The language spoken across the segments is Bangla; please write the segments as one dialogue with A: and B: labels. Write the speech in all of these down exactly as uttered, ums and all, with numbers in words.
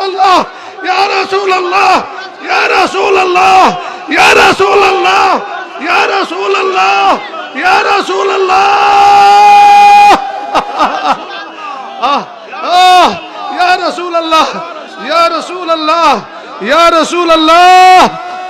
A: আল্লাহ ইয়া রাসূলুল্লাহ ইয়া রাসূলুল্লাহ ইয়া রাসূলুল্লাহ ইয়া রাসূলুল্লাহ ইয়া রাসূলুল্লাহ আহ আহ ইয়া রাসূলুল্লাহ ইয়া রাসূলুল্লাহ ইয়া রাসূলুল্লাহ।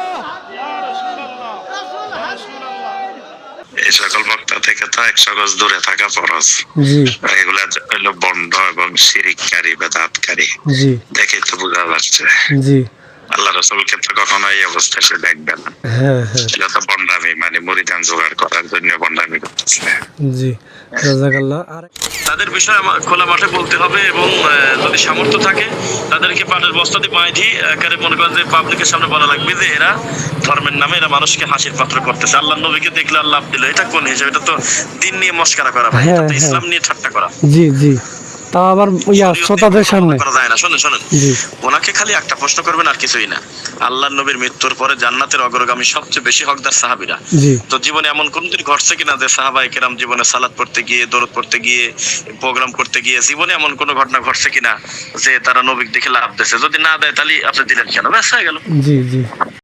B: এই সকল বক্তা থেকে তো একশো গজ দূরে থাকা ফরজ। এগুলা হলো বন্ড এবং শিরিককারী বেদাতকারী। দেখে তো বোঝা যাচ্ছে আল্লাহ রাসূলকে তো কখনো এই অবস্থা সে দেখবে না। এটা তো বন্ডামি, মানে মুরিদান জোগাড় করার জন্য বন্ডামি করতেছে। জি জাযাকাল্লাহ। আর তাদের বিষয়ে খোলা মাঠে বলতে হবে এবং যদি সামর্থ্য থাকে তাদেরকে পাটের বস্তা দিয়ে বাঁধি দিয়ে একেবারে মনে করেন যে পাবলিকের সামনে বলা লাগবে যে এরা ধর্মের নামে এরা মানুষকে হাসির পাত্র করতেছে। আল্লাহ নবীকে দেখলে আল্লাহ দিল, এটা কোন হিসাব? এটা তো দিন নিয়ে মস্কারা করা ভাই, এটা তো ইসলাম নিয়ে ঠাট্টা করা। জি জি তা আবার ইয়া শ্রোতাদের সামনে করা যায় না। শুনুন শুনুন, ওনাকে খালি একটা প্রশ্ন করবেন আর কিছুই না। আল্লাহর নবীর মৃত্যুর পরে জান্নাতের অগ্রগামী সবচেয়ে বেশি হকদার সাহাবীরা। তো জীবনে এমন কোনদিন ঘটছে কিনা যে সাহাবায়ে কেরাম জীবনে সালাত পড়তে গিয়ে, দরুদ পড়তে গিয়ে, প্রোগ্রাম করতে গিয়ে জীবনে এমন কোনো ঘটনা ঘটছে কিনা যে তারা নবীকে দেখে লাভ দিয়েছে? যদি না দেয় তাহলে আপনি দিলেন কেন? ব্যাস হয়ে গেল। জি জি।